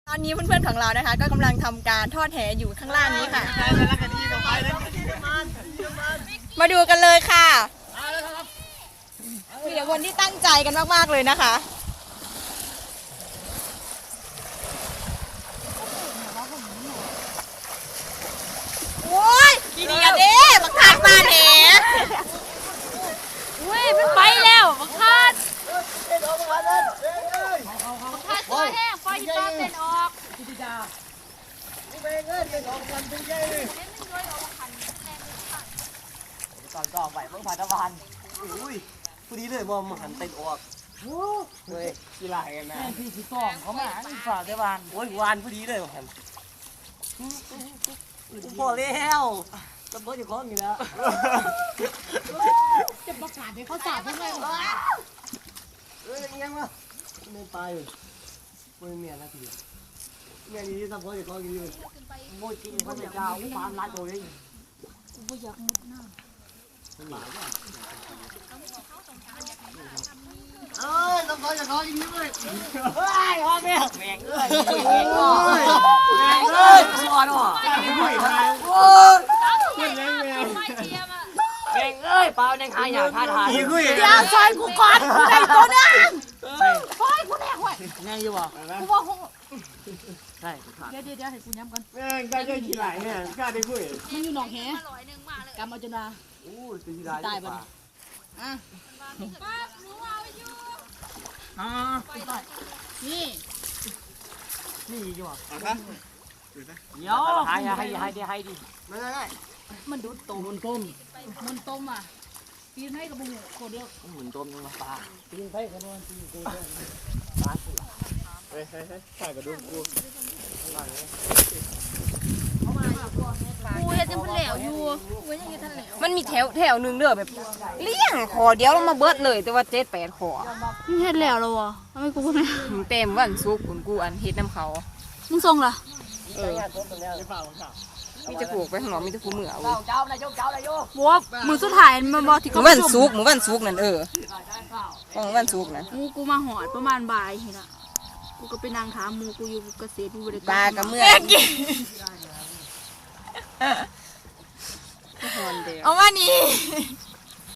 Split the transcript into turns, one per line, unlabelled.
ตอนนี้เพื่อนๆของเรานะคะก็กำลังทำการทอดแหอยู่ข้างล่างนี้ค่ะมาดูกันเลยค่ะมีแต่คนที่ตั้งใจกันมากๆเลยนะคะโอ้ยกี่เดียเด้บักคาดมาแหน
เว้ยมันไปแล้วบักคาดตัวแห้งไฟที่ต้นเต้นออก
ตอนก็ออกไปเมื่อผ่านตะวันอุ้ยพอดีเลยว่ามันหันเต้นออกเฮ้ยกีฬากันนะพี่ที่ต้องเขามาฝ่าตะวันโอ้ยวานพอดีเลยหันพอแล้วจะเบิร์ดอยู่ข้อนี้แล้ว
จะประกาศให้เขาจับทำไม
ยังวะไม่ไปไม่เมียนะทีเมียนี้ทำเบิร์ดอยู่ข้อนี้เลยโม่จริงเขาจะเอาปานรัดตัวเอง
กูอยากมุดน้ำ
ต้องขอจะขอยิงนี้เลยเฮ้ยพ่อแม่แม่งเอ้ยแม่งเอ้ยชัวร์ว่ะโอ้ยแม่งเอ้ยเปล่าในขายอย่างท่าทาง
เดี๋ยวซอยกูก่อนกูได้ตัวนึงซอยกูแน่ห่วย
แม่งอยู่บ่
กูว่า
ใช่
เดี๋ยวให้กูย้ำก่อน
แม่งได้ยังกี่ไหลเนี่ยกล้าได้คุย
มันอยู่หนองแหกำเอาจนมา
โอ้ยเป็นกี่ไหล
ตายไปอ่ะนี่
อยู่อ่ะเดี๋ยวให้ดิไม่ได้
มันดูดต้มมันต้มอ่ะปีนให้กับบุ้งโคเดียว
หมุนต้มมาปลาปีนไปกันนอนปีนกูปลาเฮ้ยใส่กระดูกกู
กูเห็นยังพันเหลวอยู่กูยังยังทันเหลว
มันมีแถวหนึ่งเด้อแบบเลี้ยงขอเดียวลงมาเบิดเลยแต่ว่า7-8ขอ
มึงเห็นแล้ววะทำไมกูไม่
เต็มวันซุกกูอันเฮ็ดน้ำเขา
มึงส่งล่ะ
มีจะผูกไปข้างนอกมีจะผูกเหมือเอา
บัวมือสุดท้ายมันบอกที่
หมู่บ้านซุกนั่นของหมู่บ้านซุกนั่น
กูมาหอดประมาณบ่ายเห็นอ่ะกูก็ไปนั่งถามมูกูอยู่เกษตรบริการ
ปลากระเมื่อเอามานี่